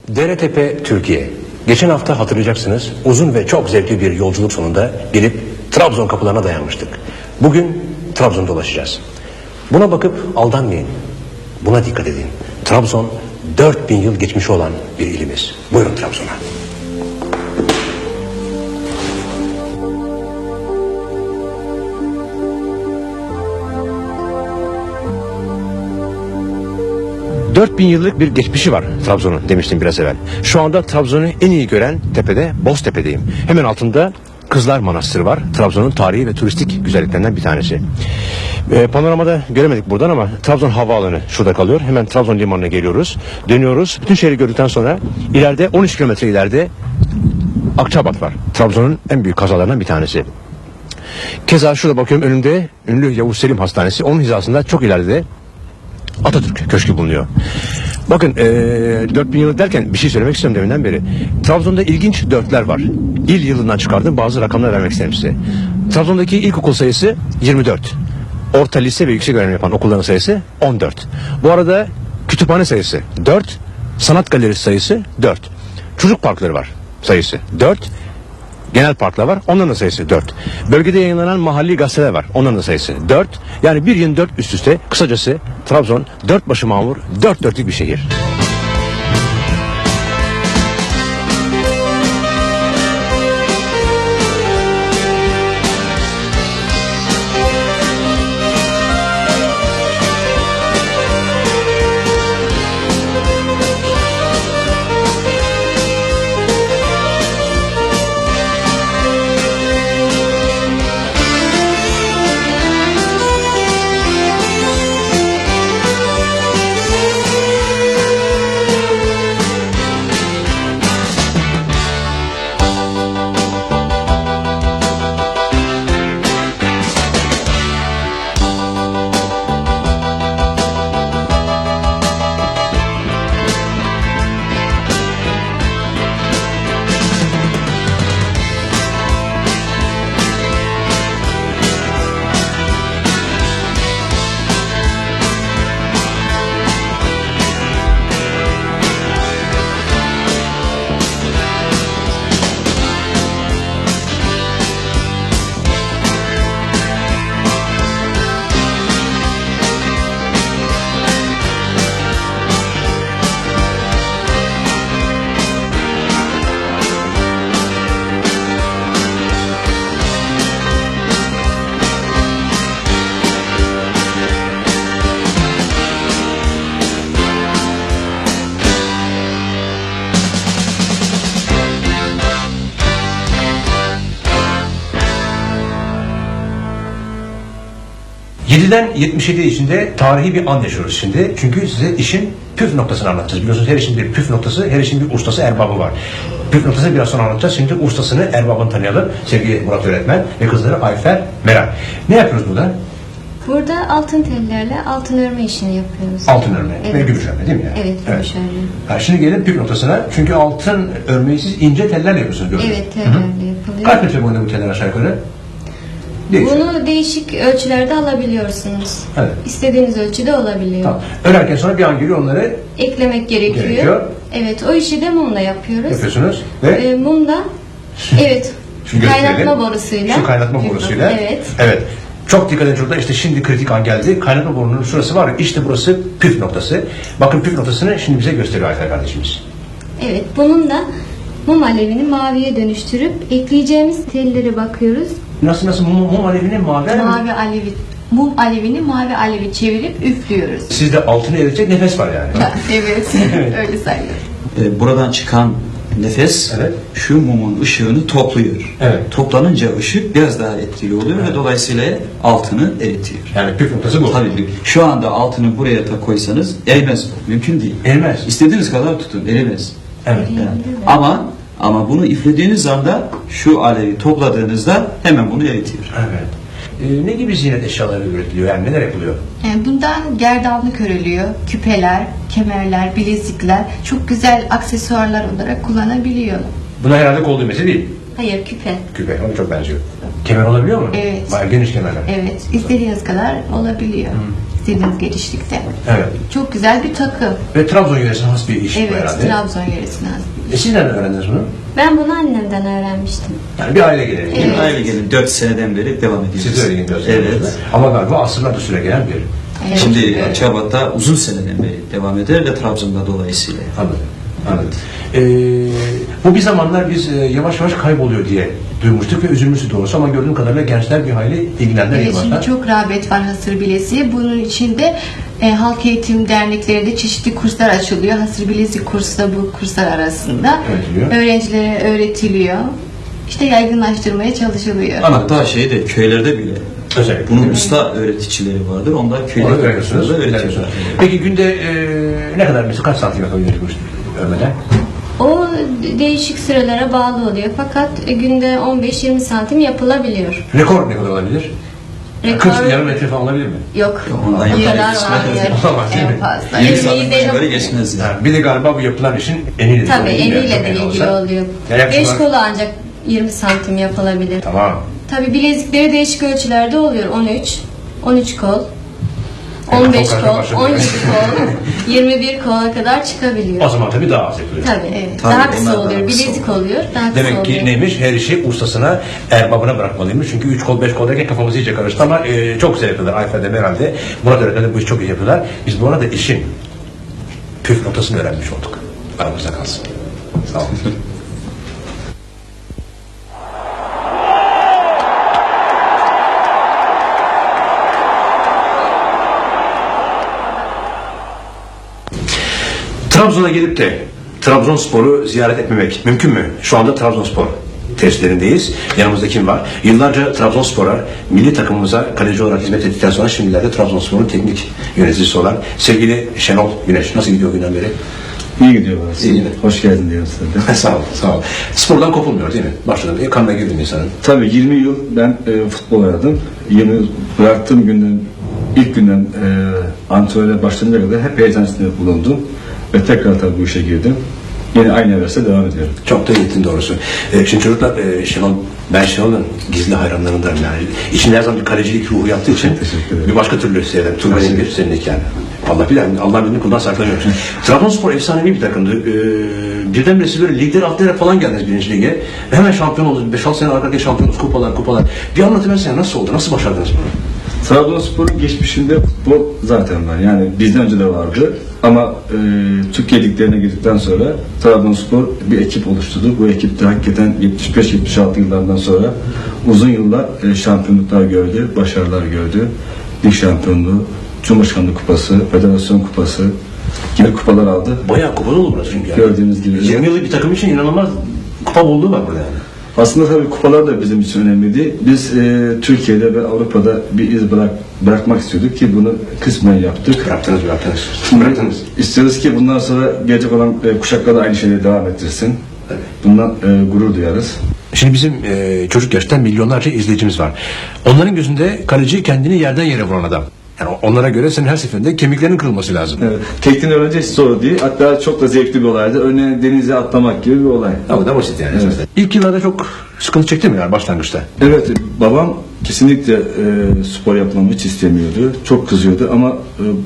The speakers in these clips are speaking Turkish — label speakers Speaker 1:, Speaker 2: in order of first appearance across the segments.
Speaker 1: Deretepe Türkiye. Geçen hafta hatırlayacaksınız uzun ve çok zevkli bir yolculuk sonunda gelip Trabzon kapılarına dayanmıştık. Bugün Trabzon'da dolaşacağız. Buna bakıp aldanmayın. Buna dikkat edin. Trabzon 4000 yıl geçmişi olan bir ilimiz. Buyurun Trabzon'a. ...4000 yıllık bir geçmişi var Trabzon'un demiştim biraz evvel. Şu anda Trabzon'u en iyi gören tepede Boztepe'deyim. Hemen altında Kızlar Manastırı var. Trabzon'un tarihi ve turistik güzelliklerinden bir tanesi. Panoramada göremedik buradan ama Trabzon Havaalanı şurada kalıyor. Hemen Trabzon Limanı'na geliyoruz. Dönüyoruz. Bütün şehri gördükten sonra ileride 13 kilometre ileride Akçabat var. Trabzon'un en büyük kazalarından bir tanesi. Keza şurada bakıyorum önümde ünlü Yavuz Selim Hastanesi. Onun hizasında çok ileride Atatürk Köşkü bulunuyor. Bakın 4000 yıl derken bir şey söylemek istiyorum deminden beri. Trabzon'da ilginç dörtler var. İl yılından çıkardığım bazı rakamlar vermek isterim size. Trabzon'daki ilkokul sayısı 24. Orta lise ve yüksek öğrenim yapan okulların sayısı 14. Bu arada kütüphane sayısı 4. Sanat galerisi sayısı 4. Çocuk parkları var sayısı 4. Genel parklar var. Onların da sayısı 4. Bölgede yayınlanan mahalli gazeteler var. Onların da sayısı 4. Yani bir yıl 4 üst üste. Kısacası Trabzon 4 başı mamur, 4 dörtlük bir şehir. ...7'den 77 içinde tarihi bir an yaşıyoruz şimdi. Çünkü size işin püf noktasını anlatacağız. Biliyorsunuz her işin bir püf noktası, her işin bir ustası, erbabı var. Püf noktasını biraz sonra anlatacağız. Şimdi ustasını, erbabını tanıyalım. Sevgili Murat öğretmen ve kızları Ayfer, Meral. Ne yapıyoruz burada?
Speaker 2: Burada altın tellerle altın örme işini yapıyoruz.
Speaker 1: Altın örme
Speaker 2: Evet.
Speaker 1: ve gümüş örme değil mi yani?
Speaker 2: Evet, gümüş örme.
Speaker 1: Ha, şimdi gelelim püf noktasına. Çünkü altın örmeyi siz ince tellerle yapıyorsunuz gördüm.
Speaker 2: Evet, tellerle yapılıyor.
Speaker 1: Kaç metre boyunda bu teller aşağı yukarı? Değişiyor.
Speaker 2: Bunu değişik ölçülerde alabiliyorsunuz.
Speaker 1: Evet.
Speaker 2: İstediğiniz ölçüde olabiliyor.
Speaker 1: Tamam. Örerken sonra bir an geliyor onları
Speaker 2: Eklemek gerekiyor. Evet, o işi de mumla yapıyoruz.
Speaker 1: yapıyorsunuz ve
Speaker 2: Mumla, evet,
Speaker 1: Şimdi gösterelim.
Speaker 2: kaynatma borusuyla.
Speaker 1: Şu kaynatma borusuyla.
Speaker 2: Evet.
Speaker 1: Evet. Çok dikkat edin çocuklar. İşte şimdi kritik an geldi. Kaynatma borunun şurası var. İşte burası püf noktası. Bakın püf noktasını şimdi bize gösteriyor Ayfer kardeşimiz.
Speaker 2: Evet, bunun da mum alevini maviye dönüştürüp ekleyeceğimiz tellere bakıyoruz.
Speaker 1: Nasıl mum alevini mavi alevi?
Speaker 3: Mavi alevi, mum alevini mavi alevi çevirip üflüyoruz.
Speaker 1: Sizde altını eritecek nefes var yani.
Speaker 3: Evet, öyle sayılır.
Speaker 4: Buradan çıkan nefes
Speaker 1: Evet.
Speaker 4: şu mumun ışığını topluyor.
Speaker 1: Evet.
Speaker 4: Toplanınca ışık biraz daha etkili oluyor ve dolayısıyla altını eritiyor.
Speaker 1: Yani püf noktası bu.
Speaker 4: Tabii şu anda altını buraya da koysanız erimez. Mümkün değil.
Speaker 1: Erimez.
Speaker 4: İstediğiniz kadar tutun, erimez.
Speaker 1: Evet.
Speaker 4: Yani. Ama bunu üflediğiniz anda şu alevi topladığınızda hemen bunu eritiyor.
Speaker 1: Evet. Ne gibi ziynet eşyaları üretiliyor? Yani neler yapılıyor?
Speaker 3: Bundan gerdanlık örülüyor, küpeler, kemerler, bilezikler çok güzel aksesuarlar olarak kullanabiliyor.
Speaker 1: Buna herhalde kol düğmesi değil.
Speaker 3: Hayır, küpe.
Speaker 1: Küpe, ona çok benziyor. Kemer olabiliyor mu?
Speaker 3: Evet.
Speaker 1: Bayağı geniş kemerler.
Speaker 3: Evet, istediğiniz kadar olabiliyor. İstediğiniz genişlikte.
Speaker 1: Evet.
Speaker 3: Çok güzel bir takı.
Speaker 1: Ve Trabzon yöresine has bir iş bu
Speaker 3: Evet,
Speaker 1: herhalde.
Speaker 3: Trabzon yöresine has.
Speaker 1: Siz nereden öğrendiniz bunu?
Speaker 2: Ben bunu annemden öğrenmiştim.
Speaker 1: Yani bir aile geleneği. değil mi?
Speaker 4: Aynı gelin 4 seneden beri devam ediyoruz.
Speaker 1: Siz de öyle gidiyorsunuz.
Speaker 4: Evet.
Speaker 1: Ama galiba asırlardır süre gelen bir.
Speaker 3: Evet.
Speaker 4: Şimdi
Speaker 3: Evet.
Speaker 4: Akçabat'ta uzun seneden beri devam eder ve Trabzon'da dolayısıyla.
Speaker 1: Anladım. Anladım. Bu bir zamanlar biz yavaş yavaş kayboluyor diye duymuştuk ve üzülmüştük doğrusu ama gördüğüm kadarıyla gençler bir hayli ilgilendiler.
Speaker 3: Evet, şimdi
Speaker 1: yıllarda.
Speaker 3: çok rağbet var hasır bilesiğe. Bunun içinde halk eğitim derneklerinde çeşitli kurslar açılıyor. Hasır bilezik kursu da bu kurslar arasında.
Speaker 1: Öğretiliyor.
Speaker 3: Öğrencilere öğretiliyor. İşte yaygınlaştırmaya çalışılıyor.
Speaker 4: Hatta şeyde köylerde bile
Speaker 1: Özellikle.
Speaker 4: bunun usta öğreticileri vardır. Onlar
Speaker 1: Onu
Speaker 4: köyde
Speaker 1: öğreniyorsunuz.
Speaker 4: öğretiyorlar.
Speaker 1: Peki günde ne kadar mesela kaç santim yapabiliyorsunuz örmeden?
Speaker 2: O değişik sürelere bağlı oluyor. Fakat günde 15-20 santim yapılabiliyor.
Speaker 1: Rekor ne kadar olabilir?
Speaker 2: Rekor
Speaker 1: 40 yarım metre falan olabilir mi?
Speaker 2: yok.
Speaker 4: Ondan
Speaker 2: O
Speaker 4: yapılır.
Speaker 2: kadar var.
Speaker 1: Olamaz, değil mi?
Speaker 3: En fazla.
Speaker 4: 20
Speaker 2: Yirmi
Speaker 4: santim
Speaker 2: de-
Speaker 4: böyle geçmez yani.
Speaker 1: Yani bir de galiba bu yapılan işin eniyle.
Speaker 2: Tabii
Speaker 1: değil mi?
Speaker 2: eniyle de
Speaker 1: En
Speaker 2: ilgili
Speaker 1: olsa.
Speaker 2: oluyor.
Speaker 1: Ya yaklaşık
Speaker 2: 5
Speaker 1: olarak-
Speaker 2: kolu ancak 20 santim yapılabilir.
Speaker 1: Tamam.
Speaker 2: Tabii bilezikleri değişik ölçülerde oluyor. 13 kol,
Speaker 1: Evet,
Speaker 2: 15
Speaker 1: çok
Speaker 2: kol,
Speaker 1: başladı.
Speaker 2: 17 kol, 21 kola kadar çıkabiliyor.
Speaker 1: O zaman tabii daha az yapılıyor.
Speaker 2: Tabii.
Speaker 3: Evet.
Speaker 2: Daha
Speaker 4: Tabii,
Speaker 2: kısa
Speaker 4: onlar daha
Speaker 2: oluyor.
Speaker 4: kısa
Speaker 2: Bilezik oluyor. Daha kısa
Speaker 1: Demek ki
Speaker 2: oluyor.
Speaker 1: neymiş? Her işi ustasına, erbabına bırakmalıymış. Çünkü 3 kol 5 kol derken kafamız iyice karıştı ama çok güzel yapıyorlar. Ayfer'de herhalde. Murat öğretmenler bu işi çok iyi yapıyorlar. Biz bu arada işin püf noktasını öğrenmiş olduk. Aramızda kalsın. Sağ olun. Trabzon'a gelip de Trabzonspor'u ziyaret etmemek mümkün mü? Şu anda Trabzonspor testlerindeyiz. Yanımızda kim var? Yıllarca Trabzonspor'a, milli takımımıza kaleci olarak hizmet ettikten sonra şimdilerde Trabzonspor'un teknik yöneticisi olan sevgili Şenol Güneş. Nasıl gidiyor o günden beri?
Speaker 5: İyi gidiyor burası.
Speaker 1: İyi gidiyor.
Speaker 5: Hoş geldin diyorum size de.
Speaker 1: Sağ ol, sağ ol. Spordan kopulmuyor değil mi? Başladım. Kanına girdim insanın.
Speaker 5: Tabii 20 yıl ben futbol oynadım. 20 yıl bıraktığım günden, ilk günden antrenöre başlayınca kadar hep heyecan içinde bulundum. Ve tekrar tabii bu işe girdim. Yine aynı hevesle devam ediyorum.
Speaker 1: Çok da gittin doğrusu. Şimdi çocuklar ben Şenol'un gizli hayranlarındanım yani. İçinde her zaman bir kalecilik ruhu yaptığı için
Speaker 5: Teşekkür ederim.
Speaker 1: bir başka türlü seyreder. Turbay'ın bir seninlik yani. Allah bilir, Allah bilir kuldan saklanıyoruz. Trabzonspor efsanevi bir takımdı. Birdenbire siz böyle ligleri atlayarak falan geldiniz birinci lige. Ve hemen şampiyon oldunuz. 5-6 sene arka arkaya şampiyonuz, kupalar. Bir anlatıversene nasıl oldu, nasıl başardınız bunu?
Speaker 5: Trabzonspor'un geçmişinde futbol zaten var. Yani bizden önce de vardı. Ama Türkiye liglerine girdikten sonra Trabzonspor bir ekip oluşturdu. Bu ekip de hakikaten 75-76 yıllardan sonra uzun yıllar şampiyonluklar gördü, başarılar gördü. Lig şampiyonluğu, Cumhurbaşkanlığı Kupası, Federasyon Kupası gibi kupalar aldı.
Speaker 1: Bayağı kupalı oldu burası çünkü yani.
Speaker 5: Gördüğünüz gibi.
Speaker 1: 20 yıllık bir takım için inanılmaz kupa bolluğu var burada yani.
Speaker 5: Aslında tabii kupalar da bizim için önemliydi. Biz Türkiye'de ve Avrupa'da bir iz bırakmak istiyorduk ki bunu kısmen yaptık.
Speaker 1: Bıraktınız. Bıraktınız.
Speaker 5: İstiyoruz ki bundan sonra gelecek olan kuşaklar da aynı şeyleri devam ettirsin.
Speaker 1: Tabii.
Speaker 5: Bundan gurur duyarız.
Speaker 1: Şimdi bizim çocuk yaştan milyonlarca izleyicimiz var. Onların gözünde kaleci kendini yerden yere vuran adam. Yani onlara göre senin her seferinde kemiklerinin kırılması lazım.
Speaker 5: Evet. Tekniğini öğrenci hiç zor değil. Hatta çok da zevkli bir olaydı. Örneğin denize atlamak gibi bir olay.
Speaker 1: Ama da basit yani.
Speaker 5: Evet.
Speaker 1: İlk yıllarda çok sıkıntı çekti mi yani başlangıçta?
Speaker 5: Evet, babam kesinlikle spor yapmamı hiç istemiyordu. Çok kızıyordu ama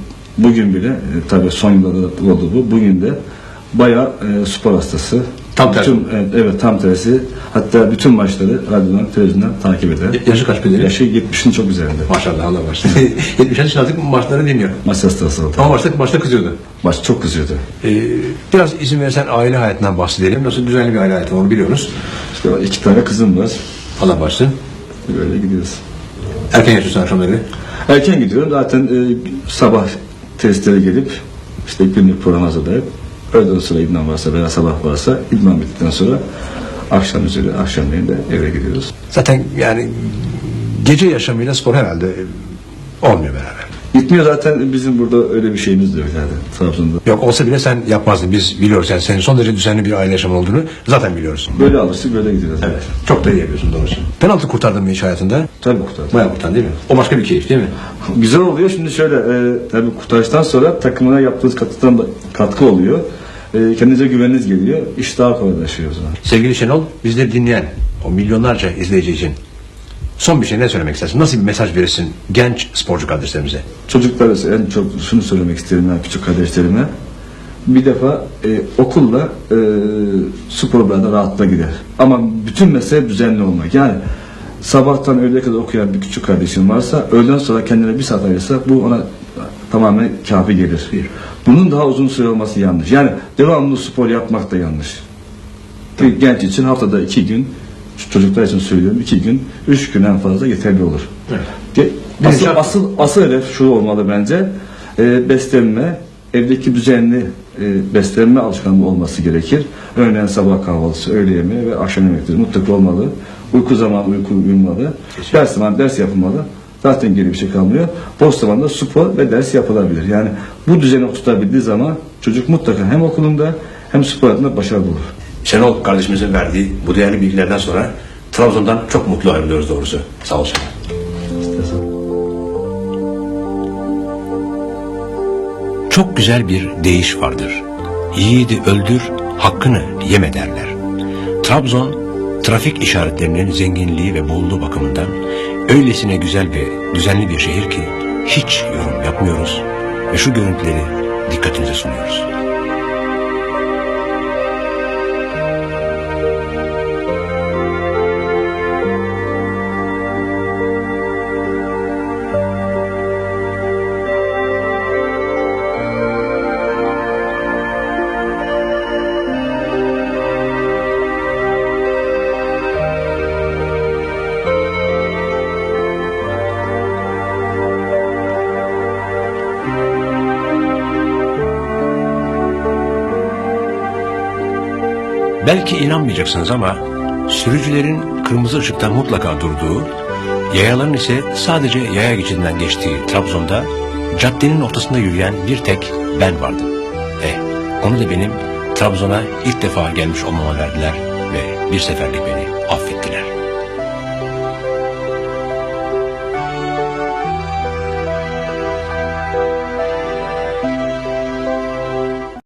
Speaker 5: bugün bile, tabii son yıllarda da oldu bu, bugün de bayağı spor hastası.
Speaker 1: Tam tersi.
Speaker 5: Evet, tam tersi. Hatta bütün maçları radyodan, televizyondan takip eder.
Speaker 1: Yaşı kaç bedeli?
Speaker 5: Yaşı 70'in çok üzerinde.
Speaker 1: Maşallah Allah başlasın. 70 yaş artık maçları dinliyor.
Speaker 5: Maç hastası oldu.
Speaker 1: Ama maçta kızıyordu.
Speaker 5: Maç çok kızıyordu.
Speaker 1: Biraz izin verirsen aile hayatından bahsedelim. Nasıl düzenli bir aile hayatı onu biliyoruz.
Speaker 5: İşte 2 tane kızım var.
Speaker 1: Allah başlasın.
Speaker 5: Böyle gidiyoruz.
Speaker 1: Erken yatıyorsun akşamları.
Speaker 5: Erken gidiyorum. Zaten sabah testlere gelip işte günlük program hazırlayıp öğleden sonra idman varsa veya sabah varsa idman bittikten sonra akşam üzeri akşamleyin de eve gidiyoruz.
Speaker 1: Zaten yani gece yaşamıyla spor herhalde olmuyor beraber.
Speaker 5: Gitmiyor zaten, bizim burada öyle bir şeyimiz de yok yani Trabzon'da.
Speaker 1: Yok olsa bile sen yapmazdın. Biz biliyoruz yani senin son derece düzenli bir aile yaşamı olduğunu zaten biliyoruz.
Speaker 5: Böyle alıştık, böyle gidiyoruz.
Speaker 1: Evet. Çok da iyi yapıyorsun doğrusu. Penaltı kurtardın mı hiç hayatında?
Speaker 5: Tabii kurtardık.
Speaker 1: Bayağı kurtardın değil mi? O başka bir keyif değil mi?
Speaker 5: Güzel oluyor. Şimdi şöyle, tabii kurtarıştan sonra takımına yaptığınız katkı oluyor. Kendinize güveniniz geliyor. İş daha kolaylaşıyor o zaman.
Speaker 1: Sevgili Şenol, bizleri dinleyen o milyonlarca izleyici için son bir şey ne söylemek istersin? Nasıl bir mesaj verirsin genç sporcu kardeşlerimize?
Speaker 5: Çocuklara en çok şunu söylemek isterim ben küçük kardeşlerime. Bir defa okulla sporlarda rahatla gider. Ama bütün mesele düzenli olmak. Yani sabahtan öğleye kadar okuyan bir küçük kardeşim varsa öğleden sonra kendine bir saat ayırsa bu ona tamamen kafi gelir. Bunun daha uzun süre olması yanlış. Yani devamlı spor yapmak da yanlış. Bir genç için haftada 2 gün, çocuklar için söylüyorum 2 gün, 3 gün en fazla yeterli olur.
Speaker 1: Evet.
Speaker 5: Asıl hedef şu olmalı bence. Beslenme, evdeki düzenli beslenme alışkanlığı olması gerekir. Örneğin sabah kahvaltısı, öğle yemeği ve akşam yemekleri mutlaka olmalı. Uyku zamanı uyku uyumalı. Ders zamanı ders yapılmalı. Zaten geri bir şey kalmıyor. Boş zamanda spor ve ders yapılabilir. Yani bu düzeni oturtabildiği zaman çocuk mutlaka hem okulunda hem spor hayatında başarılı olur.
Speaker 1: Şenol kardeşimizin verdiği bu değerli bilgilerden sonra Trabzon'dan çok mutlu ayrılıyoruz doğrusu. Sağ ol Şenol. Çok güzel bir deyiş vardır. Yiğidi öldür, hakkını yeme derler. Trabzon, trafik işaretlerinin zenginliği ve bolluğu bakımından öylesine güzel ve düzenli bir şehir ki hiç yorum yapmıyoruz ve şu görüntüleri dikkatinize sunuyoruz. Belki inanmayacaksınız ama sürücülerin kırmızı ışıkta mutlaka durduğu, yayaların ise sadece yaya geçidinden geçtiği Trabzon'da caddenin ortasında yürüyen bir tek ben vardım. Onu da benim Trabzon'a ilk defa gelmiş olmama verdiler ve bir seferlik beni affettiler.